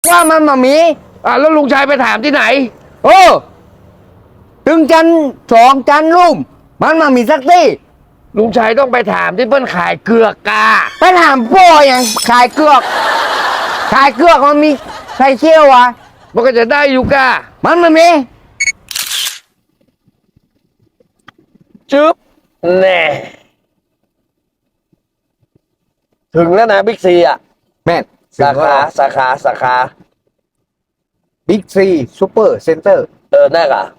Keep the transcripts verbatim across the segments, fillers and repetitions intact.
ว่ามันมามีอ่ะแล้วลุงชัยไปถามที่ไหนโอ้ถึงจันสองจันลุ่มมันมามีสักที่ลุงชัยต้องไปถามที่เปิ้นขายเกลือกกาไปถามพ่ออย่างขายเกลือกขายเกลือกมันมีใครเชี่ยววะมันก็จะได้อยู่กามันมามีจึ๊บแน่ถึงแล้วนะบิ๊กซีอ่ะแม่นสาขาสาขาสาขาบิ๊กซีซูเปอร์เซ็นเตอร์เออแน่กะ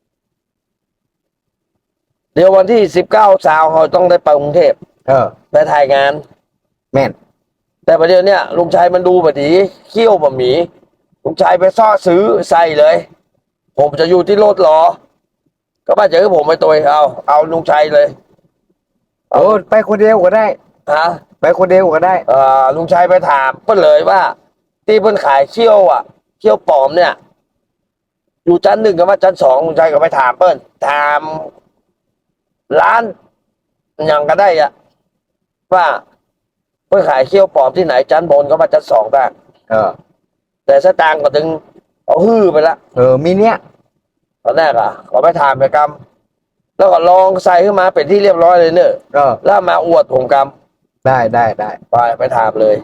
เดี๋ยววันที่สิบเก้าสาวเขาต้องได้ไปกรุงเทพเออไปถ่ายงานแม่นแต่ประเดี๋ยวเนี้ยลุงชัยมันดูแบบนี้เขี้ยวบะหมี่ลุงชัยไปซ่อซื้อใส่เลยผมจะอยู่ที่รถรอก็มาเจอผมไปตัวเอาเอาลุงชัยเลยโอ้ไปคนเดียวก็ได้ฮะไปคนเดียวก็ได้เอ่อลุงชัยไปถามเพิ่นเลยว่าที่เพิ่นขายเขี้ยวอ่ะเขี้ยวปลอมเนี่ยอยู่ชั้นหนึ่งกับว่าชั้นสองลุงชัยก็ไปถามเพิ่นถามร้านยังก็ได้อ่ะว่าเพิ่นขายเขี้ยวปลอมที่ไหนชั้นบนก็มาชั้นสองได้เออแต่สตางค์ก็ถึงเอาฮื้อไปละเออมีเนี้ยตอนแรกอ่ะขอไปถามไปกรรมแล้วก็ลองใส่ขึ้นมาเป็นที่เรียบร้อยเลยเนอะเออแล้วมาอวดผมกรรมได้ได้ได้ไปไปถามเลย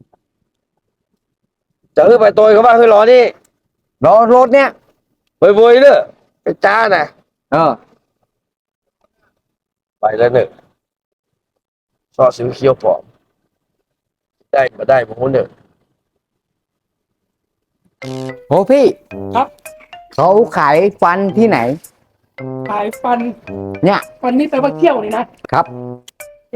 จะขึ้นไปตัวเขาว่าขึ้นรอนี่รอรถเนี้ยเว้ยๆเนอะไปจ้าน่ะเออไปแล้วเนอะซอซื้อเคี้ยวปลอมได้มาได้ผมเนอะโอ้พี่ครับเขาขายฟันที่ไหนขายฟันเนี่ยฟันนี่แปลว่าเขี้ยวนี่นะครับเอ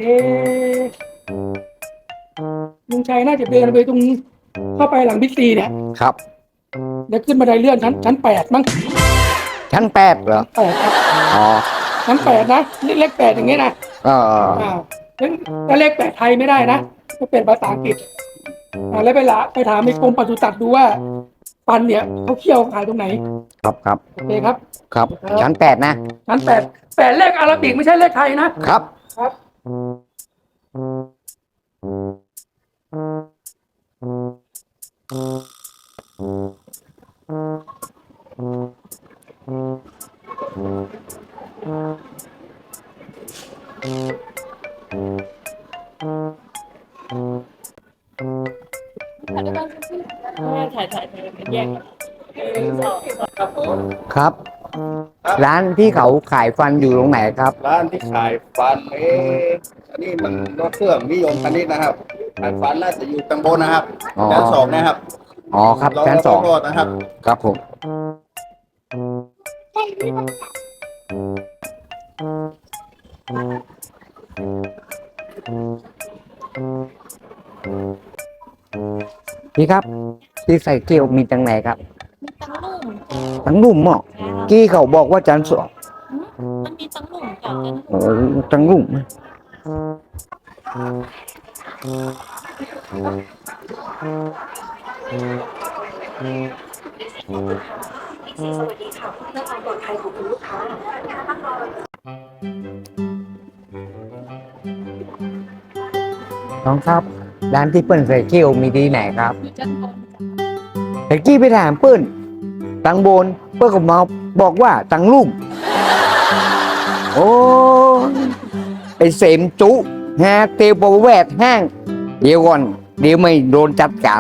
ลุงชัยน่าจะเดินไปตรงเข้าไปหลังบิ๊กซีเนี่ยครับเดี๋ยวขึ้นบันไดเลื่อนชั้นชั้นแปดมั้งชั้นแปดเหรอแปดครับอ๋อชั้นแปดนะเลขแปดอย่างเงี้ยนะอ๋ออ้าวแล้วเลขแปดไทยไม่ได้นะต้องเป็นภาษาอังกฤษอ่าแล้วไปละไปถามในกรมปศุสัตว์ดูว่าฟันเนี่ยเขาเขี้ยวขายตรงไหนครับครับโอเคครับครับชั้นแปดนะชั้นแปดแปดเลขอาราบิกไม่ใช่เลขไทยนะครับครับถ่ายถ่ายถ่ายแยกครับร้านที่เขาขายฟันอยู่ตรงไหนครับร้านที่ขายฟันเอ๊ะอันนี้มันรถเครื่องนิยมคันนี้นะครับขายฟันน่าจะอยู่ตางบนนะครับชั้นสองนะครับอ๋อครับชั้นสองนะครับครับผมพี่ครับที่ใส่เกลียวมีตังไหนครับตังลุ่มหมอกี้เขาบอกว่าจันสองมันมีตังลุ่มกับโอ้ตังลุ่มสวัสดีค่ะเพื่อความปลอดภัยของคุณลูกค้าน้องครับร้านที่เปิ้ลใส่เกลียวมีที่ไหนครับแต่กี้ไปถามเปิ้ลตังบนเปิ้ลก็มาบอกว่าตังลุ่มโอ้ไอเสมจุฮะเตียวประแวดแห้งเดี๋ยวก่อนเดี๋ยวไม่โดนจัดการ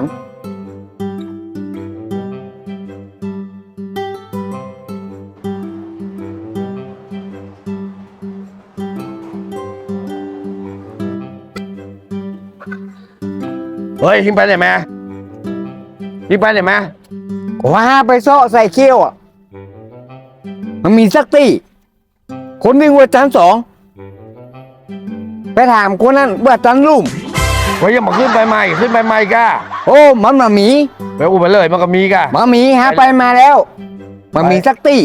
เฮ้ยทิ้งไปไหนมาทิ้งไปไหนมาว่าไปซ้อใส่เขี้ยวอ่ะมันมีสักตีคนหนึ่งว่าชั้นสองไปถามคนนั้นว่าชั้นลุ่มว่ายังมาขึ้นไปใหม่ขึ้นไปใหม่ก้าโอ้มันมามีไปอุ้มไปเลยมันก็มีก้ามามีฮะไปมาแล้วมันมีสักตี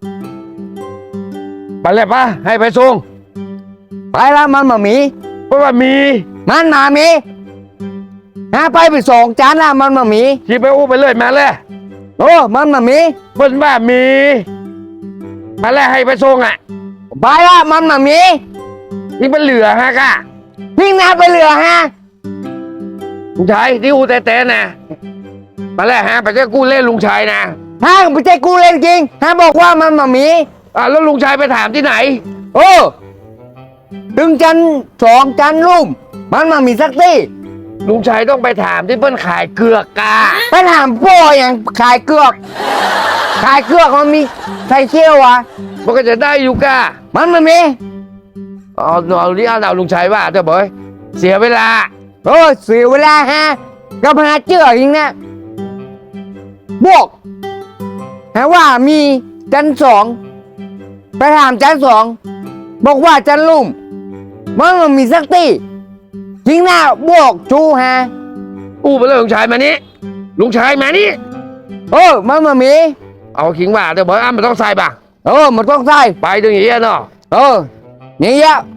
ไปเลยปะให้ไปส่งไปแล้วมันมามีเพราะว่ามีมันมามีฮะไปไปสองจานละมันมามีขี่ไปอุ้มไปเลยมาเลยโอ้มันมามีเปิ้ลว่ามีมาแล้วให้ไปส่งอ่ะไปละมันมามีนี่มันเหลือฮะก้าวิ่งนาไปเหลือฮะใช่ที่อูแต่แต่น่ะตอนแรกฮะไปเจ้ากู้เล่นลุงชัยนะฮะไม่ใช่กูเล่นจริงฮะบอกว่ามันมามีอ่าแล้วลุงชัยไปถามที่ไหนโอ้ถึงจันสองจันลุ่มมันมามีสักที่ลุงชัยต้องไปถามที่เปิ้นขายเกลือกกาไปถามพ่ออย่างขายเกือกขายเกือกมันมีใส่เชี่ยววะมันก็จะได้อยู่กามันมามีเอาเอาที่เอาลุงชัยว่าเถอะเบยเสียเวลาโอ้เสียเวลาฮะก็หาเจือจริงนะบอกฮะว่ามีจันสองไปถามจันสองบอกว่าจันลุ่มมันมามีสักที่จริงนะบอกชูฮะอู้ไปเลยลุงชัยมานี้ลุงชัยมานี้เออมันมามีเอาขิงว่าเถอะเบยอ้ำมันต้องใส่ป่ะเออมันต้องใส่ไปตรงอย่างนี้เนาะเออนี่ยะ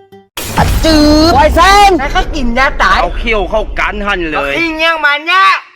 จืดไวเซนให้เขากินยาตายเอาเขี้ยวเข้ากันหันเลยอิงยังมันเนี่ย